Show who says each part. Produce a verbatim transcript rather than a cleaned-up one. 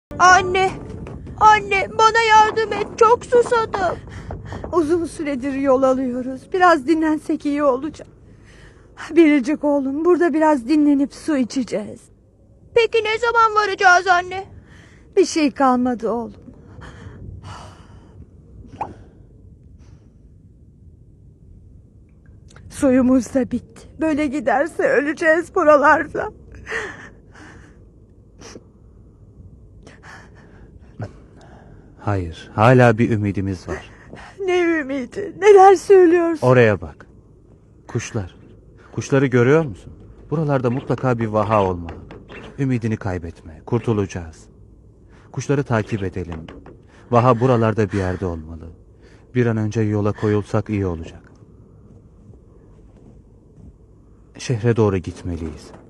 Speaker 1: Anne, anne bana yardım et, çok susadım.
Speaker 2: Uzun süredir yol alıyoruz. Biraz dinlensek iyi olacak. Biricik oğlum, burada biraz dinlenip su içeceğiz.
Speaker 1: Peki ne zaman varacağız anne?
Speaker 2: Bir şey kalmadı oğlum. Suyumuz da bitti. Böyle giderse öleceğiz buralarda.
Speaker 3: Hayır, hala bir ümidimiz var.
Speaker 2: Ne ümidi? Neler söylüyorsun?
Speaker 3: Oraya bak. Kuşlar. Kuşları görüyor musun? Buralarda mutlaka bir vaha olmalı. Ümidini kaybetme. Kurtulacağız. Kuşları takip edelim. Vaha buralarda bir yerde olmalı. Bir an önce yola koyulsak iyi olacak. Şehre doğru gitmeliyiz.